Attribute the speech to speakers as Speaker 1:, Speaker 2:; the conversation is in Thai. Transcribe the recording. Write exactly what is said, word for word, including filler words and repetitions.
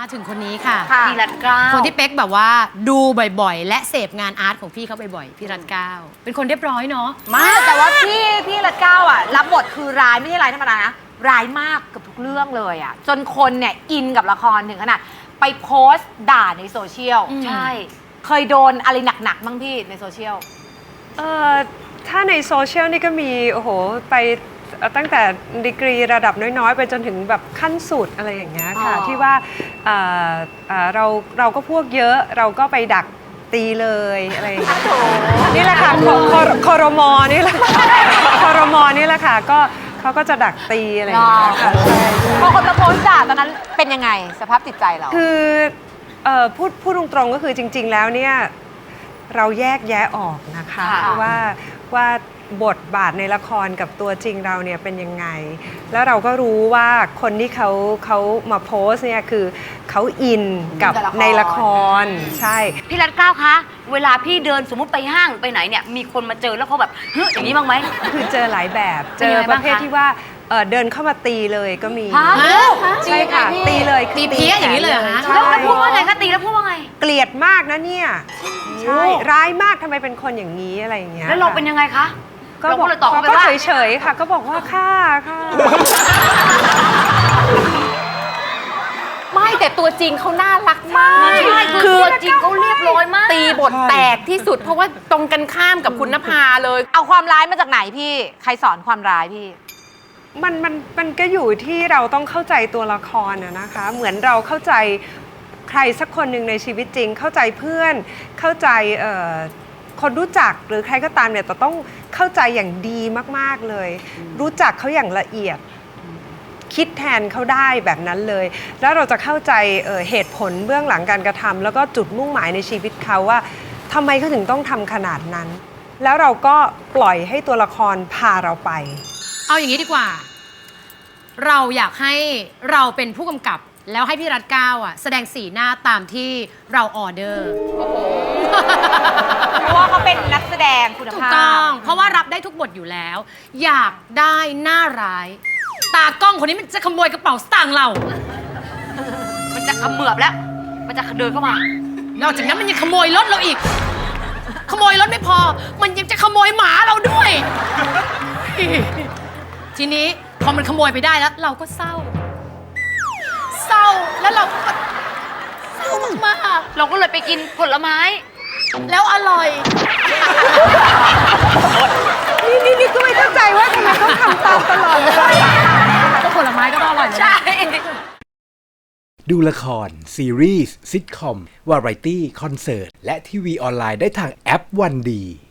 Speaker 1: ถึงคนนี้ค่ะ
Speaker 2: พี่รัตเกล้า
Speaker 1: คนที่เป๊กแบบว่าดูบ่อยๆ และเสพงานอาร์ตของพี่เขาบ่อยๆพี่รัตเกล้าเป็นคนเรียบร้อยเนาะ
Speaker 2: มากแต่ว่าพี่พี่รัตเกล้าอ่ะรับบทคือร้ายไม่ใช่ร้ายธรรมดานะร้ายมากกับทุกเรื่องเลยอ่ะจนคนเนี่ยอินกับละครถึงขนาดไปโพสต์ด่าในโซเชียลใช่เคยโดนอะไรหนักๆบ้างพี่ในโซเชียล
Speaker 3: เอ่อถ้าในโซเชียลนี่ก็มีโอ้โหไปตั้งแต่ดีกรีระดับน้อยๆ ไปจนถึงแบบขั้นสุดอะไรอย่างเงี้ยค่ะที่ว่าเอ่อเอ่อเราเราก็พวกเยอะเราก็ไปดักตีเลยอะไรอย่างเงี้ยนี่แหละค่ะคอรมอนี่แหละคอรมอนี่แหละค่ะก็เขาก็จะดักตีอะไรอย่างเงี้ยค่ะใช่
Speaker 2: พอคนมาโพสต์ด่าตอนนั้นเป็นยังไงสภาพจิตใจเรา
Speaker 3: คือเอ่อพูดพูดตรงๆก็คือจริงๆแล้วเนี่ยเราแยกแยะออกนะคะว่าว่าบทบาทในละครกับตัวจริงเราเนี่ยเป็นยังไงแล้วเราก็รู้ว่าคนที่เขาเขามาโพสเนี่ยคือเขาอินกับในละครใช่
Speaker 2: พี่รัตเกล้าคะเวลาพี่เดินสมมุติไปห้างไปไหนเนี่ยมีคนมาเจอแล้วเขาแบบเฮ้ยอย่างนี้บ้างไหม
Speaker 3: คือเจอหลายแบบเจอประเภทที่ว่าเดินเข้ามาตีเลยก็มีใช่ค่ะตีเลย
Speaker 1: ตีเพี้ยอย่างนี้เลยเหรอคะ
Speaker 2: แล้วพูดว่าไงคะตีแล้วพูดว่าไง
Speaker 3: เกลียดมากนะเนี่ยใช่ร้ายมากทำไมเป็นคนอย่างนี้อะไรอย่างเงี้ย
Speaker 2: แล้วเราเป็นยังไงคะ
Speaker 3: ก็บอกเขาก็เฉยๆค่ะก็บอกว่าค่ะค่ะ
Speaker 4: ไม่แต่ตัวจริงเขาน่ารักมาก
Speaker 2: ใช่คือตัวจริงเขาเรียบร้อยมาก
Speaker 4: ตีบทแตกที่สุดเพราะว่าตรงกันข้ามกับคุณนภาเลย
Speaker 2: เอาความร้ายมาจากไหนพี่ใครสอนความร้ายพี่
Speaker 3: มันมันมันก็อยู่ที่เราต้องเข้าใจตัวละครนะคะเหมือนเราเข้าใจใครสักคนหนึ่งในชีวิตจริงเข้าใจเพื่อนเข้าใจคนรู้จักหรือใครก็ตามเนี่ยแต่ต้องเข้าใจอย่างดีมากๆเลยรู้จักเขาอย่างละเอียดคิดแทนเขาได้แบบนั้นเลยแล้วเราจะเข้าใจ เอ่อ เหตุผลเบื้องหลังการกระทำแล้วก็จุดมุ่งหมายในชีวิตเขาว่าทำไมเขาถึงต้องทำขนาดนั้นแล้วเราก็ปล่อยให้ตัวละครพาเราไป
Speaker 1: เอาอย่างนี้ดีกว่าเราอยากให้เราเป็นผู้กำกับแล้วให้พี่รัตเกล้าอ่ะแสดงสีหน้าตามที่เราออเดอร์
Speaker 2: เพราะว่าเขาเป็นนักแสดงคุณภาพ
Speaker 1: ถูกต้องเพราะว่ารับได้ทุกบทอยู่แล้ว อยากได้หน้าร้ายตากล้องคนนี้มันจะขโมยกระเป๋าสตางค์เรา
Speaker 2: มันจะเขมือบแล้วมันจะเดินเข้ามาน
Speaker 1: อกจากนั้นมันยังขโมยรถเราอีกขโมยรถไม่พอมันยังจะขโมยหมาเราด้วยทีนี้พอมันขโมยไปได้แล้วเราก็เศร้าเศร้าแล้วเราก็เศร้ามาก
Speaker 2: เราก็เลยไปกินผลไม้
Speaker 1: แล้วอร่อย
Speaker 3: นี่นี่นี่ก็ไม่เข้าใจว่าทำไมต้องทำตามตลอดเลย
Speaker 1: ก็ผลไม้ก็อร่อย
Speaker 2: ใช่
Speaker 5: ดูละครซีรีส์ซิทคอมวาไรตี้คอนเสิร์ตและทีวีออนไลน์ได้ทางแอปวันดี